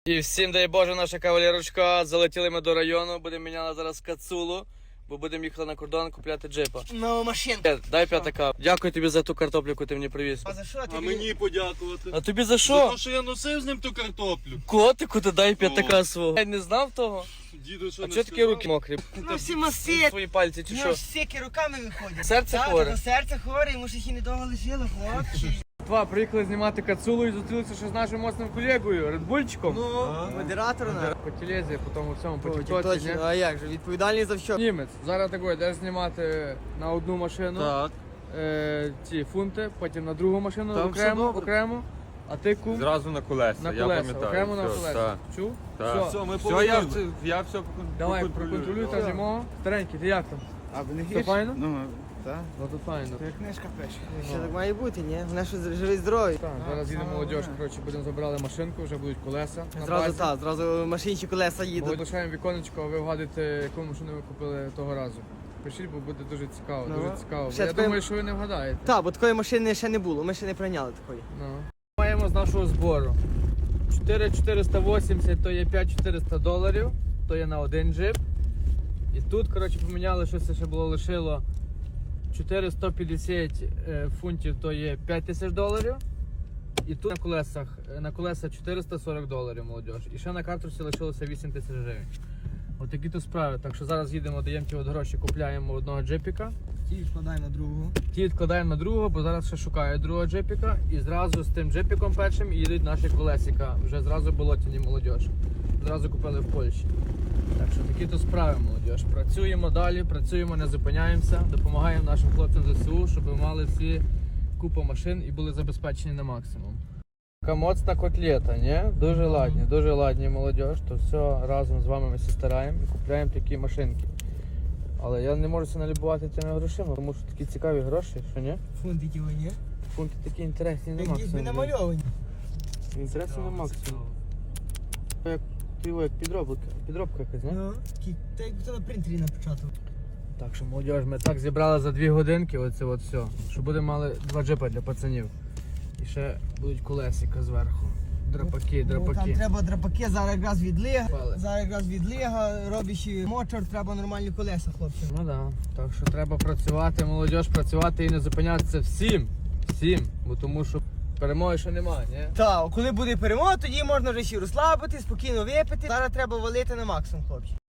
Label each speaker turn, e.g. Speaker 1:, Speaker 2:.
Speaker 1: І всім дай Боже, наша кавалерочка. Залетіли ми до району, будемо міняти зараз кацулу, бо будемо їхати на кордон купляти джипа.
Speaker 2: Нову машинку.
Speaker 1: Дай п'ятака. Дякую тобі за ту картоплю, яку ти мені привіз.
Speaker 2: А за що тобі?
Speaker 3: А мені подякувати.
Speaker 1: А тобі за
Speaker 3: За
Speaker 1: що?
Speaker 3: те, що я носив з ним ту картоплю.
Speaker 1: Котику, ти дай п'ятака свого. Я не знав того.
Speaker 3: Діду, що
Speaker 1: А
Speaker 3: не
Speaker 1: чого такі
Speaker 3: сказав?
Speaker 1: руки мокрі?
Speaker 2: Ну всі масти.
Speaker 1: Свої пальці чи
Speaker 2: Ну
Speaker 1: що?
Speaker 2: ж стільки руками виходять.
Speaker 1: Серце
Speaker 2: Так,
Speaker 1: хворе?
Speaker 2: та серце хворе, йому ж їх і недовго лишило, хлопці.
Speaker 1: Два, приїхали знімати кацулу і зустрілися ще з нашим моцним колегою, Редбульчиком.
Speaker 2: Ну, модератор на.
Speaker 1: По телезі, по тому всьому, по тіктоці,
Speaker 2: Точно,
Speaker 1: ні?
Speaker 2: а як же, відповідальний за що?
Speaker 1: Німець. Зараз такий, йдеш знімати на одну машину.
Speaker 3: Так.
Speaker 1: Ці фунти, потім на другу машину
Speaker 3: Там все добре.
Speaker 1: окремо, а ти кум
Speaker 4: Зразу на колеса,
Speaker 1: на
Speaker 4: я
Speaker 1: колеса,
Speaker 4: пам'ятаю.
Speaker 1: окремо на
Speaker 4: Все,
Speaker 1: колеса.
Speaker 4: так,
Speaker 1: Чув?
Speaker 4: так.
Speaker 3: Все, ми
Speaker 4: Все,
Speaker 3: повернули.
Speaker 4: я все
Speaker 1: Давай,
Speaker 4: проконтролюю.
Speaker 1: проконтролюй та зимо. Старенький, ти як там?
Speaker 5: А ви не
Speaker 1: Все файно?
Speaker 5: Ну, так.
Speaker 1: Ну то файно.
Speaker 5: То як книжка пише.
Speaker 2: Що так має бути, ні? Вона що живий здоровий.
Speaker 1: Так, зараз їде молодіж, коротше, будемо забирали машинку, вже будуть колеса на
Speaker 2: Зразу
Speaker 1: базі.
Speaker 2: так, зразу машинчі колеса
Speaker 1: Ми
Speaker 2: їдуть.
Speaker 1: лишаємо віконечко, а ви вгадуєте, яку машину ви купили того разу. Пишіть, бо буде дуже цікаво,
Speaker 2: Ну,
Speaker 1: дуже цікаво. Бо
Speaker 2: ще
Speaker 1: я
Speaker 2: такої-
Speaker 1: думаю, що ви не вгадаєте.
Speaker 2: Так, бо такої машини ще не було, ми ще не прийняли такої.
Speaker 1: Ну. Маємо з нашого збору. 4480 то є 5400 доларів, то є на один джип. І тут, коротше, поміняли, що це ще було лишило 4150 фунтів, то є 5000 доларів. І тут на колеса 440 доларів, молодіж. І ще на карточці лишилося 8000 гривень. Отакі то справи. Так що зараз їдемо, даємо ті от гроші, купляємо одного джипіка.
Speaker 2: Ті відкладаємо на другу.
Speaker 1: Ті відкладаємо на другого, бо зараз ще шукають другого джипіка. І зразу з тим джипіком першим їдуть наші колесика. Вже зразу болотяні молодіж. Зразу купили в Польщі. Так що такі то справи, молодіж. Працюємо далі, працюємо, не зупиняємося, допомагаємо нашим хлопцям ЗСУ, щоб мали всі купу машин і були забезпечені на максимум. Така моцна котлета, ні? Дуже ладні молодіж. То все разом з вами ми всі стараємо і купляємо такі машинки. Але я не можу себе налюбувати тими грошима, тому що такі цікаві гроші, що ні?
Speaker 2: Фунтики вони.
Speaker 1: Фунти такі інтересні на
Speaker 2: Якісь
Speaker 1: максимум.
Speaker 2: би намальовані.
Speaker 1: Інтересні на максимум. Як підробка якась, не?
Speaker 2: Ну, так як то на принтері на початку.
Speaker 1: Так що, молодіж, ми так зібрали за 2 годинки оце от все, що будемо мали 2 джипа для пацанів. І ще будуть колесика зверху. Драпаки.
Speaker 2: Там треба драпаки, зараз якраз відлига.
Speaker 1: Пали.
Speaker 2: Зараз якраз відлига, робиш мотор, треба нормальні колеса, хлопці.
Speaker 1: Ну так. Так що треба працювати, молодіж, працювати і не зупинятися всім. Бо тому що перемоги ще немає, ні?
Speaker 2: Так, коли буде перемога, тоді можна вже ще розслабити, спокійно випити. Зараз треба валити на максимум, хлопці.